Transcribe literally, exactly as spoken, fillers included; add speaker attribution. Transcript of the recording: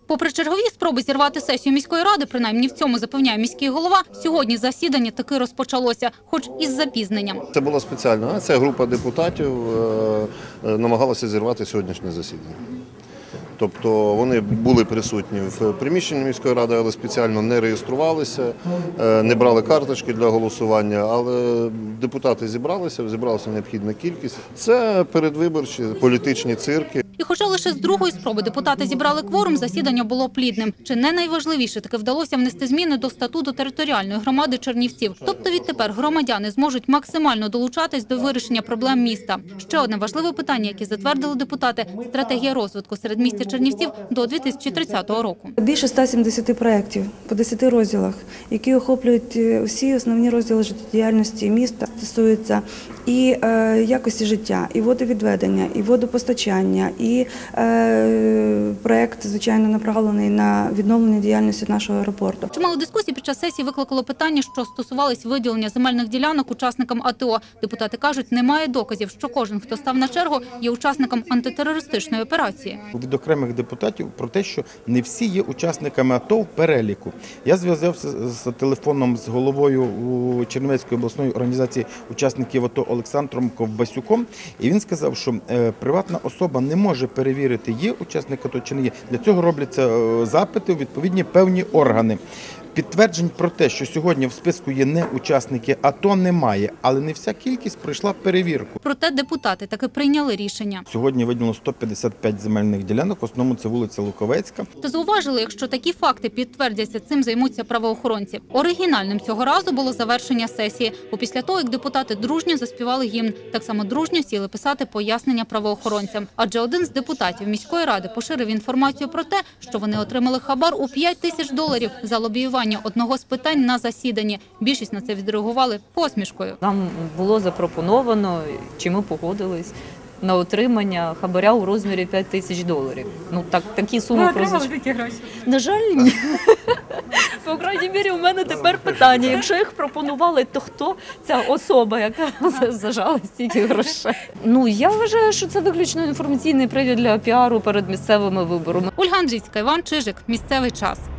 Speaker 1: Попри чергові спроби зірвати сесію міської ради, принаймні в цьому запевняє міський голова, сьогодні засідання таки розпочалося, хоч із запізненням.
Speaker 2: Це було спеціально. Ця група депутатів намагалася зірвати сьогоднішнє засідання. Тобто вони були присутні в приміщенні міської ради, але спеціально не реєструвалися, не брали карточки для голосування, але депутати зібралися, зібралася необхідна кількість. Це передвиборчі політичні цирки.
Speaker 1: І хоча лише з другої спроби депутати зібрали кворум, засідання було плідним. Чи не найважливіше таки вдалося внести зміни до статуту територіальної громади Чернівців. Тобто відтепер громадяни зможуть максимально долучатись до вирішення проблем міста. Ще одне важливе питання, яке затвердили депутати – стратегія розвитку середмістя Чернівців до дві тисячі тридцятого року.
Speaker 3: Більше ста сімдесяти проєктів по десяти розділах, які охоплюють всі основні розділи життєдіяльності міста, стосуються і е, якості життя, і водовідведення, і водопостачання, і е, проєкт, звичайно, направлений на відновлення діяльності нашого аеропорту.
Speaker 1: Чимало дискусій під час сесії викликало питання, що стосувались виділення земельних ділянок учасникам АТО. Депутати кажуть, немає доказів, що кожен, хто став на чергу, є учасником антитерористичної операції.
Speaker 4: Від окремих депутатів про те, що не всі є учасниками АТО в переліку. Я зв'язався з телефоном з головою Чернівецької обласної організації учасників АТО Олександром Ковбасюком, і він сказав, що приватна особа не може перевірити, є учасник АТО чи не є. Для цього робляться запити у відповідні певні органи. Підтверджень про те, що сьогодні в списку є не учасники АТО, немає, але не вся кількість пройшла перевірку.
Speaker 1: Проте депутати таки прийняли рішення.
Speaker 4: Сьогодні виділено сто п'ятдесят п'ять земельних ділянок, в основному це вулиця Луковецька.
Speaker 1: Та зауважили, якщо такі факти підтвердяться, цим займуться правоохоронці. Оригінальним цього разу було завершення сесії, бо після того, як депутати дружньо заспівали гімн, так само дружньо сіли писати пояснення правоохоронцям. Адже один з депутатів міської ради поширив інформацію про те, що вони отримали хабар у п'ять тисяч доларів за лобіювання одного з питань на засіданні. Більшість на це відреагували посмішкою.
Speaker 5: Нам було запропоновано, чи ми погодились, на отримання хабаря у розмірі п'ять тисяч доларів. Ну, так, такі суми.
Speaker 6: Ви отримали такі гроші?
Speaker 5: На жаль, ні. По крайній мірі, у мене тепер питання. Якщо їх пропонували, то хто ця особа, яка зажала стільки грошей? Ну, я вважаю, що це виключно інформаційний привід для піару перед місцевими виборами.
Speaker 1: Ольга Андрійська, Іван Чижик. Місцевий час.